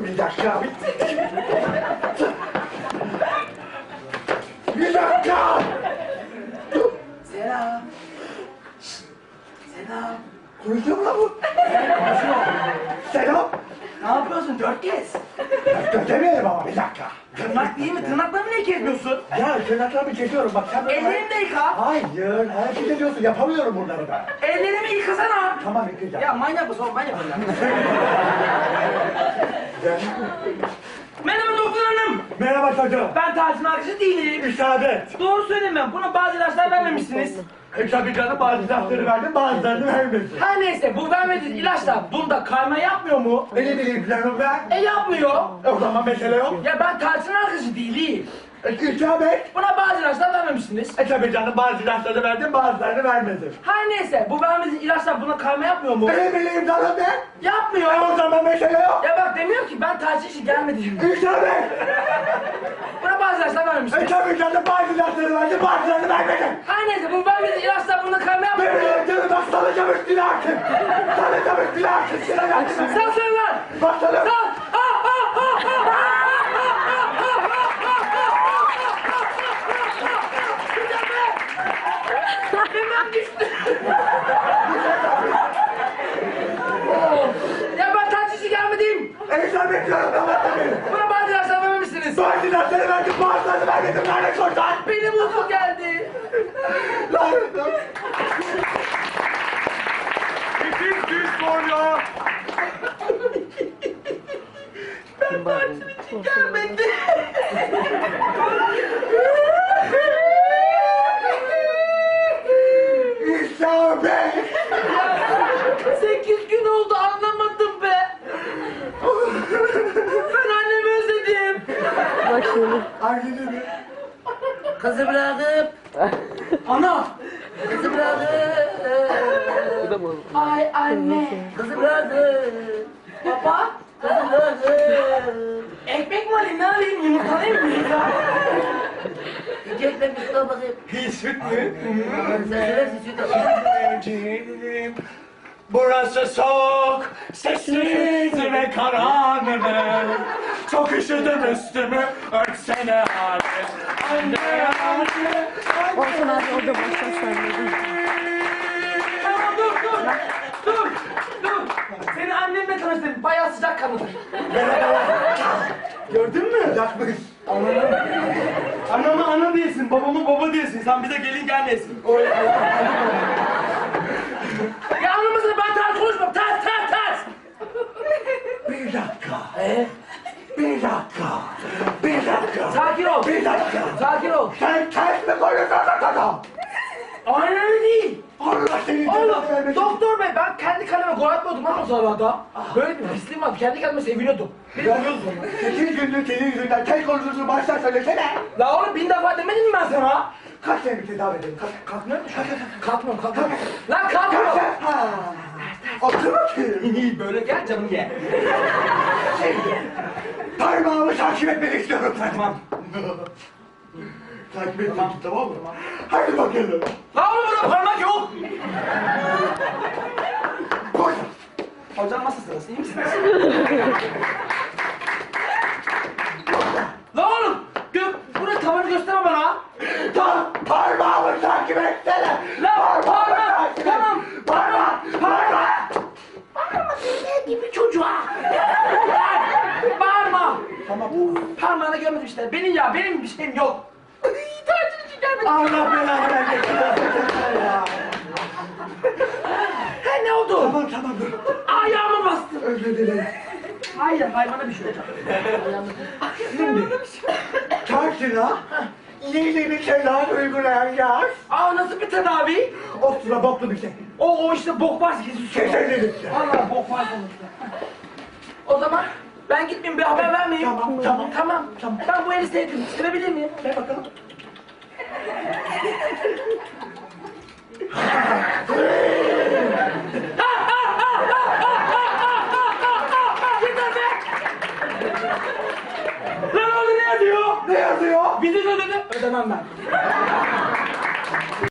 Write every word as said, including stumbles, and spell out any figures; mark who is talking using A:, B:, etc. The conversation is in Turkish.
A: Dur bir dakika. Bir dakika. Dur.
B: Selam. Şşt. Selam.
A: Konuşuyor mu lan bu?
B: Konuşuyor.
A: Selam.
B: Ne yapıyorsun? Dört kez.
A: Götemeyelim ama bir dakika.
B: Tırnak değil mi? Tırnaklarını niye kesmiyorsun?
A: Ya tırnaklarımı çekiyorum bak sen böyle...
B: Ellerini de yıka.
A: Hayır, hareket ediyorsun, yapamıyorum bunları ben.
B: Ellerimi yıkasana.
A: Tamam, yıkayacağım.
B: Ya manyak mısın oğlum? Ben yapacağım. Merhaba doktor hanım.
A: Merhaba çocuğum.
B: Ben Taci'nin arkadaşı değilim.
A: İsabet.
B: Doğru söylemem. Buna bazı ilaçlar vermemişsiniz.
A: E tabii canım, bazı ilaçları verdim, bazılarını vermedim.
B: Her neyse bu vermediğiniz ilaçlar bunda kayma yapmıyor mu?
A: E ne bileyim canım ben?
B: E yapmıyor.
A: E o zaman mesele yok.
B: Ya ben Taci'nin arkadaşı değilim.
A: E isabet.
B: Buna bazı ilaçlar vermemişsiniz.
A: E tabii canım, bazı ilaçları verdim, bazılarını vermedim.
B: Her neyse bu vermediğiniz ilaçlar buna kayma yapmıyor mu?
A: E ne bileyim canım ben?
B: Yapmıyor.
A: E o zaman mesele yok.
B: Ya bak demiyor ki ben Taci için gelmedim.
A: İsabet.
B: Buna bazı ilaçlar
A: E
B: vermemişsiniz.
A: tabii canım, bazı ilaçları verdim, bazılarını vermedim.
B: Her neyse bu vermediğiniz ilaçlar buna kayma
A: Ne
B: yapmıyor mu?
A: bileyim canım, bak salacağım üstüne artık. Salacağım üstüne artık.
B: Sen söyle lan!
A: Basalım.
B: Sal! Ah, ah, ah, ah, ah! Hemen düştü. Ya ben taksici gelmedim.
A: İsabet diyorum, tamam tabii.
B: Buna bazı ilaçlar vermemişsiniz.
A: Bazı ilaçları verdim, bazılarını vermedim. Lanet olsun.
B: Benim uykum geldi.
A: Lanet olsun.
C: İkiz düz sonra.
B: Ben taksici için gelmedim.
A: İsabet.
B: Sekiz gün oldu anlamadım be. Ben annemi özledim.
D: Bak şimdi.
A: Hangisi mi?
B: Kızı bırakıp. Ana. Kızı bırakıp.
D: Bu da bozuldu.
B: Ay anne. Kızı bırakıp. Baba. Kızı bırakıp. Ekmek mi alayım ne alayım yumurtalayayım mı? İki ekmek bir sıra bakayım.
A: Hiç süt mü?
B: Sen seversin süt
A: Ciğerim, burası soğuk, sessiz ve karanlık. Çok üşüdüm üstümü, örtsene abi. Anne, anne,
D: Olsun abi o da başla sen de.
B: Tamam dur dur. Dur. Dur. Seni annemle tanıştırdım. Bayağı sıcak kanlıdır.
A: gördün mü? Yakmış.
C: Anama ana diyesin, babama baba diyesin. Sen bize gelin gelmesin.
B: Ya anlamasın ben ters konuşmam. Ters ters ters.
A: Bir dakika,
B: Ee?
A: bir dakika, bir dakika.
B: Sakin ol.
A: Bir dakika.
B: Sakin ol.
A: Sen ters mi konuşuyorsun adam?
B: Aynen öyle değil.
A: Allah seni
B: Oğlum
A: cezanı vermesin.
B: doktor bey ben kendi kaleme gol atmıyordum lan o sırada. Böyle bir pisliğim vardı. Kendi kendime seviniyordum. Bir
A: Ya,
B: bakıyorsun sonra.
A: sekiz gündür senin yüzünden tek konuşuyorsun, baştan söylesene.
B: La oğlum bin defa demedim mi ben sana?
A: Kaç senedir tedavi edeyim? Kaç,
B: Kalkmıyor musun? Kalkmıyorum kalkmıyorum. Lan
A: kaç
B: kalkmıyorum.
A: sen? Ha. Otur bakayım.
B: Böyle gel canım ye.
A: Şimdi, parmağımı takip etmeni istiyorum sen.
B: Tamam.
A: Takip edeceksin, tamam mı? Hadi bakalım.
B: La oğlum burada parmak yok.
A: Koş.
B: Hocam nasıl sırası iyi misiniz? La oğlum! Gök, buraya tavanı gösterme bana!
A: Tam parmağımı takip etsene.
B: La
A: Parmağımı
B: parmak!
A: takip et.
B: Tamam!
A: Parmak, parmak.
B: Bağırma dinle gibi çocuğa! Bağırma!
A: Tamam.
B: Parmağını görmedim işte. Benim ya, benim bir şeyim yok. Tatil için gelmedim.
A: Allah belanı vermesin. Ya.
B: Ha ne oldu?
A: Tamam tamam dur.
B: Ayağıma bastın.
A: Özür dilerim.
B: Hayır, hayvana bir şey olacak.
A: Şimdi karşına yeni bir şeyler uygulayacağız.
B: Aa nasıl bir tedavi?
A: O sıra boklu bir şey.
B: O, o işte bok varsa kesin susuyor.
A: Kesinlikle.
B: Allah bok var sonuçta. O zaman ben gitmeyeyim bir haber vermeyeyim.
A: Tamam, tamam.
B: Tamam. Tamam. Ben bu eli sevdim. Sevebilir miyim? Ver bakalım. Yeter be! Lan orada ne yazıyor?
A: Ne yazıyor?
B: Bizi ödedi. Ödemem ben.